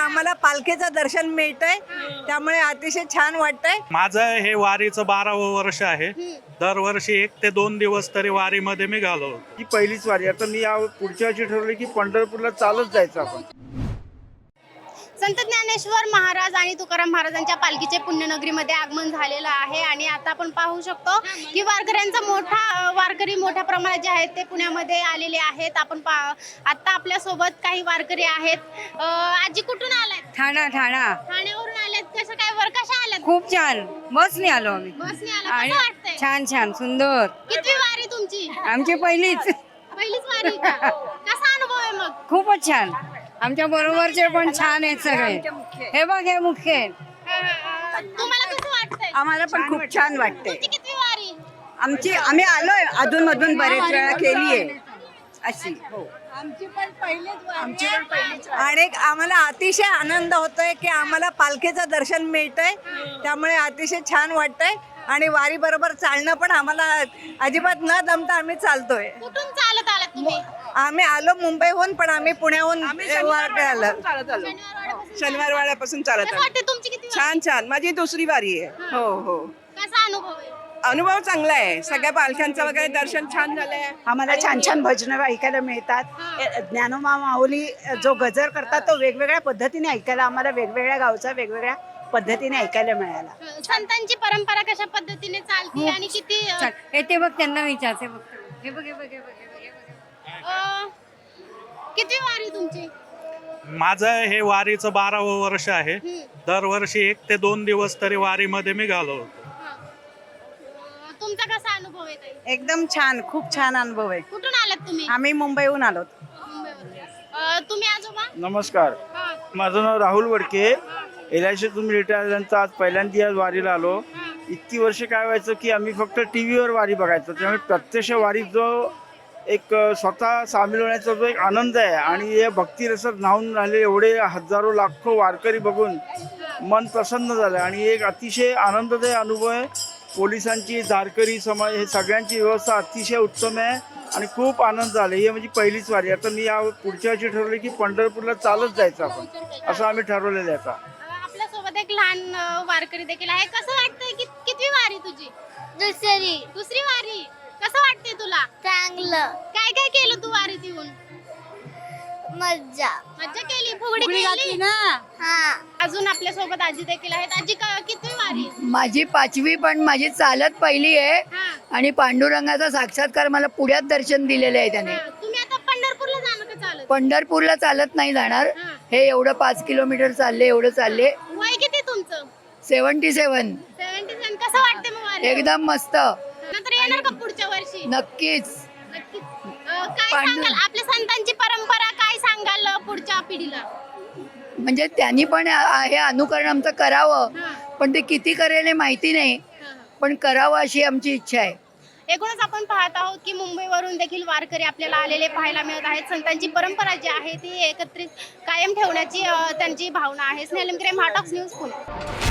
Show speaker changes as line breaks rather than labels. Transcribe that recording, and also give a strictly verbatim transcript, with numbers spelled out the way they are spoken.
आम्हाला पालखीचं दर्शन मिळतंय, त्यामुळे अतिशय छान वाटतंय।
माझं हे वारीचं बारावं वर्ष आहे। दरवर्षी एक ते दोन दिवस तरी वारीमध्ये मी घालवतो।
ही पहिलीच वारी। आता मी या पुढच्या वर्षी ठरवलं की पंढरपूरला चालत जायचं आपण।
संत ज्ञानेश्वर महाराज आणि तुकाराम महाराजांच्या पालखीचे पुण्यनगरीमध्ये आगमन झालेलं आहे आणि आता आपण पाहू शकतो की वारकऱ्यांचा मोठा वारकरी मोठ्या प्रमाणात जे आहेत ते पुण्यामध्ये आलेले आहेत। आपण आता आपल्या सोबत काही वारकरी आहेत। आजी कुठून आलात?
ठाणा ठाणा
ठाण्यावरून आलेत। कसं काय वर कशा आलात?
खूप छान, बसने आलो आम्ही।
बसने आला, कसं वाटतंय?
छान छान सुंदर।
कितवी वारी तुमची?
आमची पहिलीच
पहिलीच वारी का? कसा अनुभव आहे मग?
खूपच छान। आमच्या बरोबरचे पण छान आहेत सगळे। हे बघ हे मुख्य आहेत।
तुम्हाला कसं वाटतंय?
आम्हाला पण खूप छान वाटते।
तुमची कितवी वारी?
आमची आम्ही आलोय अधून मधून बरेच वेळा केली आहे अशी। हो
आमची पण पहिलीच आणि आम्हाला अतिशय आनंद होतोय की आम्हाला पालखीचं दर्शन मिळतंय, त्यामुळे अतिशय छान वाटतंय। आणि वारी बरोबर चालणं पण आम्हाला अजिबात न दमता आम्ही चालतोय।
कुठून चालत आलात तुम्ही?
आम्ही आलो मुंबईहून, पण आम्ही पुण्याहून वारी आलो।
शनिवार वाड्यापासून चालत
कसं
आलो।
वाटते तुमची किती वारी?
छान छान, माझी दुसरी वारी आहे। हो हो,
कसा अनुभव आहे?
अनुभव चांगला आहे। सगळ्या पालख्यांचं वगैरे दर्शन छान झालंय। आम्हाला छान छान भजनं ऐकायला मिळतात। ज्ञानोबा माऊली जो गजर करतात तो वेगवेगळ्या पद्धतीने ऐकायला आम्हाला वेगवेगळ्या गावचा वेगवेगळ्या पद्धतीने ऐकायला मिळाला।
संतांची परंपरा कशा पद्धतीने चालते आणि किती अ,
छान। हे ते बघ त्यांना विचारते बघ। हे बघ हे बघ हे बघ हे बघ, हे बघ।
अ, किती वारी तुमची?
माझं हे वारीचं बारावं वर्ष आहे। दरवर्षी एक ते दोन दिवस तरी वारीमध्ये मी घालवतो।
अ, तुमचा कसा अनुभव आहे ताई?
एकदम छान, खूप छान अनुभव आहे।
कुठून आलात तुम्ही?
आम्ही मुंबईहून आलो।
मुंबईवरून. अ, तुम्ही आजोबा?
नमस्कार,
हा.
माझं नाव Rahul Wadke. L I C तुम्ही रिटायर झाल्यानंतर आज पहिल्यांदा आज वारीला आलो। इतकी वर्ष काय व्हायचं की आम्ही फक्त टी व्हीवर वारी बघायचो, त्यामुळे प्रत्यक्ष वारीत जो एक स्वतः सामील होण्याचा जो एक आनंद आहे आणि या भक्तिरसात न्हाऊन राहिले एवढे हजारो लाखो वारकरी बघून मन प्रसन्न झालं आणि एक अतिशय आनंददायी अनुभव आहे। पोलिसांची, दारकरी समाज हे सगळ्यांची व्यवस्था अतिशय उत्तम आहे आणि खूप आनंद झाला। ही म्हणजे पहिलीच वारी। आता मी या पुढच्या वर्षी ठरवलं की पंढरपूरला चालत जायचं आपण, असं आम्ही ठरवलेलं आहे आता।
आपल्या सोबत एक लहान अ, वारकरी देखील आहे। कसं वाटतंय? कि, कितवी वारी तुझी?
दुसरी
दुसरी वारी। कसं वाटतंय तुला?
चांगलं
काय काय केलं तू वारीत येऊन?
मज्जा
मज्जा केली, फुगडी केली
ना।
हा
अजून आपल्या सोबत आजी देखील आहेत। आजी क- कितवी वारी?
माझी पाचवी, पण माझी चालत पहिली आहे
हा.
आणि पांडुरंगाचा साक्षात्कार मला पुण्यात दर्शन दिलेलं आहे त्याने।
हा. तुम्ही आता पंढरपूरला जाणं का चालत?
पंढरपूरला चालत नाही जाणार।
हा.
हे एवढं पाच किलोमीटर चालले, एवढं चालले।
वय किती तुमचं?
Seventy seven.
Seventy seven. कसं वाटतंय मग वारी?
एकदम मस्त,
नंतर येणार का पुढच्या वर्षी?
नक्कीच।
नक्कीच। अ, काय
पांडुरंग-
सांगाल आपल्या संतांची परंपरा, काय सांगाल अ, पुढच्या पिढीला?
म्हणजे त्यांनी पण आ- हे अनुकरण आमचं करावं,
हा.
पण ते किती करेल हे माहिती नाही,
हा, हा.
पण करावं अशी आमची इच्छा आहे।
एकूणच आपण पाहत आहोत की मुंबईवरून देखील वारकरी आपल्याला आलेले पाहायला मिळत आहेत। संतांची परंपरा जी आहे ती एकत्रित कायम ठेवण्याची अ, त्यांची भावना आहे। स्नेहल महाटॉक्स न्यूज पुणे।